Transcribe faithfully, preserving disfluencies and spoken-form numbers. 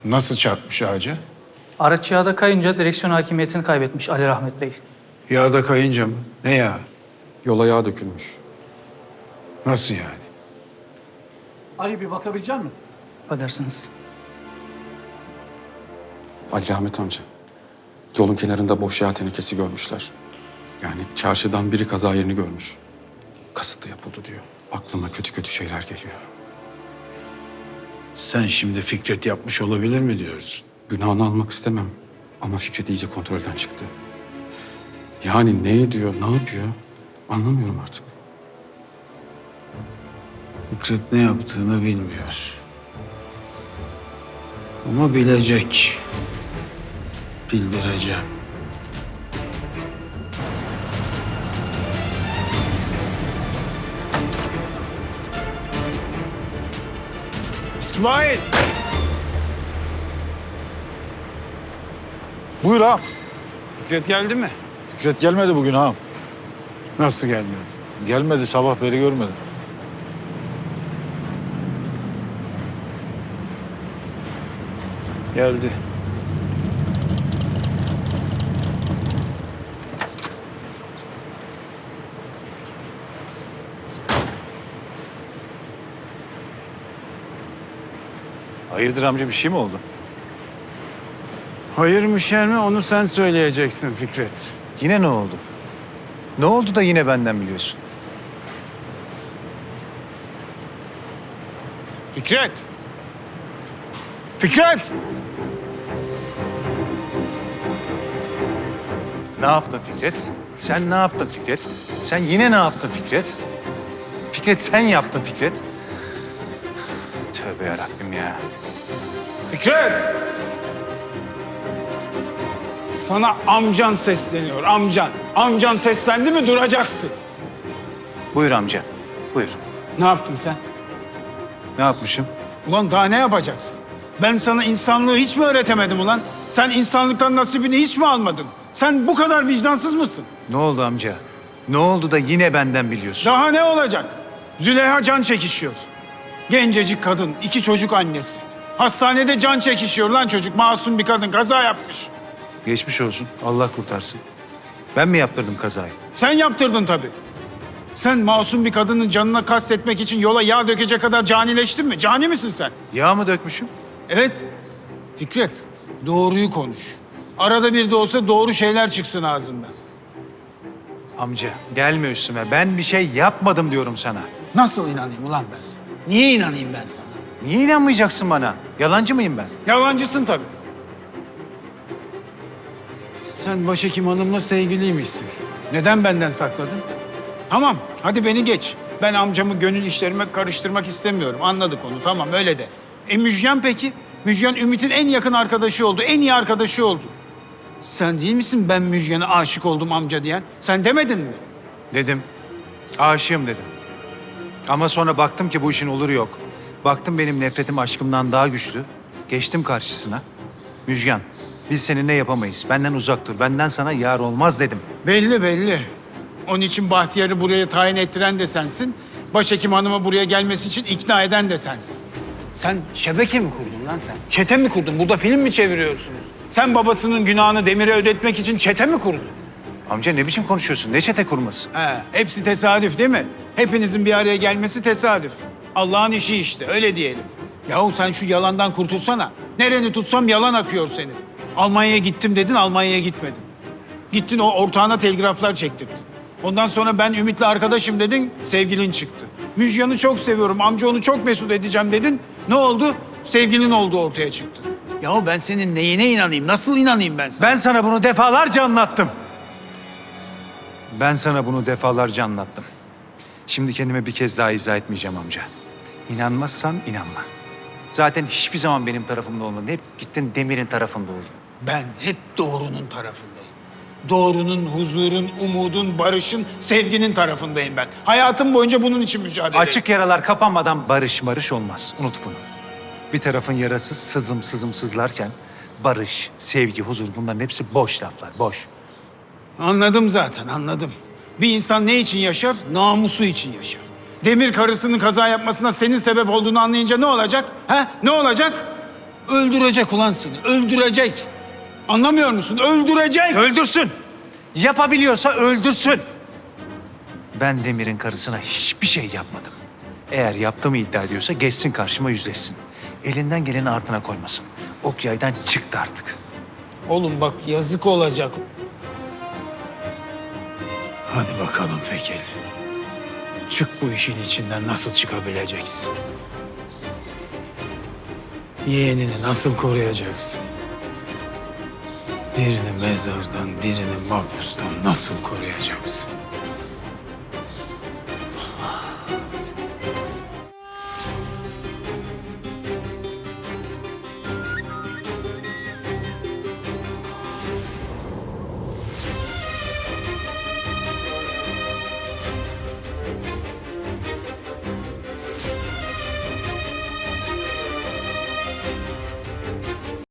Nasıl çarpmış ağaca? Araç yağda kayınca direksiyon hakimiyetini kaybetmiş Ali Rahmet Bey. Yağda kayınca mı? Ne yağı? Yola yağ dökülmüş. Nasıl yani? Ali bir bakabilecek misin? Affedersiniz. Ali Rahmet amca. Yolun kenarında boş yağ tenekesi görmüşler. Yani çarşıdan biri kaza yerini görmüş. Kasıtlı yapıldı diyor. Aklıma kötü kötü şeyler geliyor. Sen şimdi Fikret yapmış olabilir mi diyorsun? Günahını almak istemem. Ama Fikret iyice kontrolden çıktı. Yani ne ediyor, ne yapıyor? Anlamıyorum artık. Fikret ne yaptığını bilmiyor. Ama bilecek. Bildireceğim. İsmail! Buyur ağam. Fikret geldi mi? Fikret gelmedi bugün ağam. Nasıl gelmedi? Gelmedi, sabah beri görmedim. Geldi. Hayırdır amca, bir şey mi oldu? Hayır mı şer mi onu sen söyleyeceksin Fikret. Yine ne oldu? Ne oldu da yine benden biliyorsun? Fikret! Fikret! Ne yaptın Fikret? Sen ne yaptın Fikret? Sen yine ne yaptın Fikret? Fikret sen yaptın Fikret. Tövbe yarabbim ya. Fikret! Sana amcan sesleniyor, amcan. Amcan seslendi mi duracaksın. Buyur amca, buyur. Ne yaptın sen? Ne yapmışım? Ulan daha ne yapacaksın? Ben sana insanlığı hiç mi öğretemedim ulan? Sen insanlıktan nasibini hiç mi almadın? Sen bu kadar vicdansız mısın? Ne oldu amca? Ne oldu da yine benden biliyorsun? Daha ne olacak? Züleyha can çekişiyor. Gencecik kadın, iki çocuk annesi. Hastanede can çekişiyor lan çocuk. Masum bir kadın kaza yapmış. Geçmiş olsun, Allah kurtarsın. Ben mi yaptırdım kazayı? Sen yaptırdın tabii. Sen masum bir kadının canına kastetmek için yola yağ dökecek kadar canileştin mi? Cani misin sen? Yağ mı dökmüşüm? Evet. Fikret, doğruyu konuş. Arada bir de olsa doğru şeyler çıksın ağzından. Amca gelme üstüme. Ben bir şey yapmadım diyorum sana. Nasıl inanayım ulan ben sana? Niye inanayım ben sana? Niye inanmayacaksın bana? Yalancı mıyım ben? Yalancısın tabii. Sen başhekim hanımla sevgiliymişsin. Neden benden sakladın? Tamam, hadi beni geç. Ben amcamı gönül işlerime karıştırmak istemiyorum. Anladık onu, tamam öyle de. E Müjgan peki? Müjgan Ümit'in en yakın arkadaşı oldu, en iyi arkadaşı oldu. Sen değil misin ben Müjgan'a aşık oldum amca diyen? Sen demedin mi? Dedim. Aşığım dedim. Ama sonra baktım ki bu işin oluru yok. Baktım benim nefretim aşkımdan daha güçlü. Geçtim karşısına. Müjgan, biz seninle yapamayız. Benden uzak dur. Benden sana yar olmaz dedim. Belli belli. Onun için Bahtiyar'ı buraya tayin ettiren de sensin. Başhekim hanımı buraya gelmesi için ikna eden de sensin. Sen şebeke mi kurdun lan sen? Çete mi kurdun? Burada film mi çeviriyorsunuz? Sen babasının günahını Demir'e ödetmek için çete mi kurdun? Amca ne biçim konuşuyorsun? Ne çete kurması? He, hepsi tesadüf değil mi? Hepinizin bir araya gelmesi tesadüf. Allah'ın işi işte, öyle diyelim. Yahu sen şu yalandan kurtulsana. Nereni tutsam yalan akıyor senin. Almanya'ya gittim dedin, Almanya'ya gitmedin. Gittin o ortağına telgraflar çektirdin. Ondan sonra ben Ümit'le arkadaşım dedin, sevgilin çıktı. Müjgan'ı çok seviyorum, amca onu çok mesut edeceğim dedin. Ne oldu? Sevgilin oldu ortaya çıktı. Yahu ben senin neyine inanayım, nasıl inanayım ben sana? Ben sana bunu defalarca anlattım. Ben sana bunu defalarca anlattım. Şimdi kendime bir kez daha izah etmeyeceğim amca. İnanmazsan inanma. Zaten hiçbir zaman benim tarafımda olmadın. Hep gittin Demir'in tarafında oldun. Ben hep doğrunun tarafındayım. Doğrunun, huzurun, umudun, barışın, sevginin tarafındayım ben. Hayatım boyunca bunun için mücadele ettim. Açık yaralar kapanmadan barış barış olmaz. Unut bunu. Bir tarafın yarası sızım sızım sızlarken barış, sevgi, huzur bunların hepsi boş laflar, boş. Anladım zaten, anladım. Bir insan ne için yaşar? Namusu için yaşar. Demir karısının kaza yapmasına senin sebep olduğunu anlayınca ne olacak? Ha? Ne olacak? Öldürecek ulan seni, öldürecek. Anlamıyor musun? Öldürecek. Öldürsün. Yapabiliyorsa öldürsün. Ben Demir'in karısına hiçbir şey yapmadım. Eğer yaptığımı iddia ediyorsa geçsin karşıma yüzleşsin. Elinden geleni ardına koymasın. Ok yaydan çıktı artık. Oğlum bak yazık olacak. Hadi bakalım Fekeli. Çık bu işin içinden nasıl çıkabileceksin? Yeğenini nasıl koruyacaksın? Birini mezardan, birini mahpustan nasıl koruyacaksın?